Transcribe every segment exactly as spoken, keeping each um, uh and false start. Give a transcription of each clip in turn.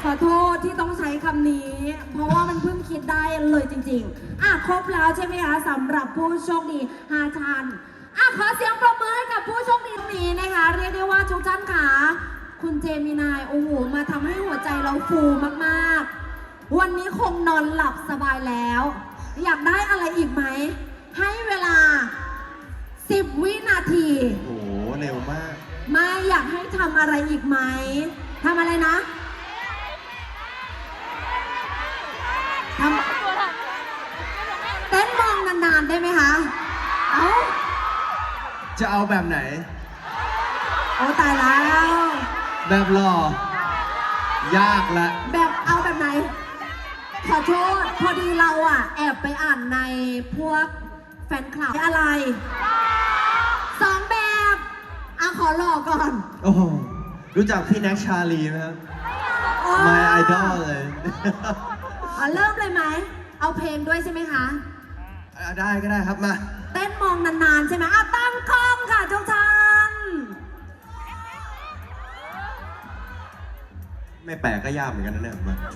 อโทษที่ต้องใช้คำนี้ เพราะว่ามันเพิ่งคิดได้เลยจริงๆอ่ะครบแล้วใช่ไหมคะสำหรับผู้โชคดีห้าท่านอ่ะขอเสียงปรบมือให้กับผู้โชคดีนี้นะคะเรียกได้ว่าทุกท่านค่ะคุณเจมินายโอ้โหมาทำให้หัวใจเราฟูมากๆวันนี้คงนอนหลับสบายแล้ว อยากได้อะไรอีกไหมให้เวลาสิบวินาทีโอ้โหเร็วมากไม่อยากให้ทำอะไรอีกไหมทำอะไรนะทำเต้นมองนานๆได้ไหมคะเอ้าจะเอาแบบไหนโอ้ตายแล้วแบบหล่อ ยากละแบบเอาแบบไหน ขอโทษพอดีเราอ่ะ แอบไปอ่านในพวกแฟนคลับอะไรสองแบบอ่ะขอหลอกก่อนโอ้โหรู้จักพี่แน็กชาลีไหมครับ My Idol เลยอ่ะเริ่มเลยไหม เอาเพลงด้วยใช่ไหมคะอ่ะได้ก็ได้ครับมาเต้นมองนานๆใช่ไหมอ่ะตั้งกล้องค่ะทุกท่านไม่แปลกก็ยากเหมือนกันนะเนี่ยมา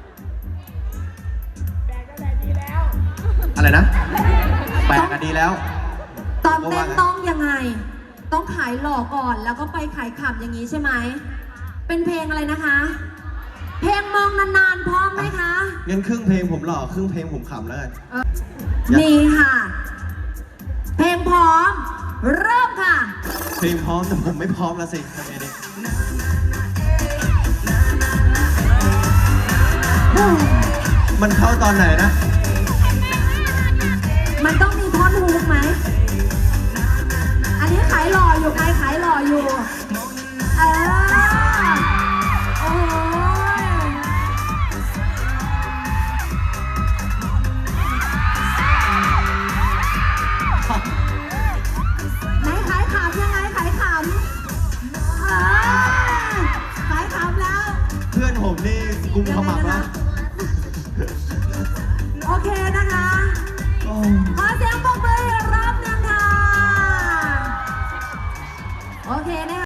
อะไรนะ แปลกก็ดีแล้วตอนเต้นต้องยังไง ต้องขายหล่อก่อนแล้วก็ไปขายขำอย่างนี้ใช่ไหม เป็นเพลงอะไรนะคะ เพลงมองนานๆพร้อมไหมคะงั้นครึ่งเพลงผมหล่อครึ่งเพลงผมขำแล้วกันเออมีค่ะ เพลงพร้อม เริ่มค่ะเพลงพร้อมแต่ผมไม่พร้อมแล้วสิทำไงดีมันเข้าตอนไหนนะมันต้องมีท่อนฮุกไหม อันนี้ขายหล่ออยู่ใครขายหล่ออยู่ เออ โอ้ยไหนขายขำยังไงขายขำเออขายขำแล้วเพื่อนผมนี่กุมขมับแล้วโอเคนะคะโอ้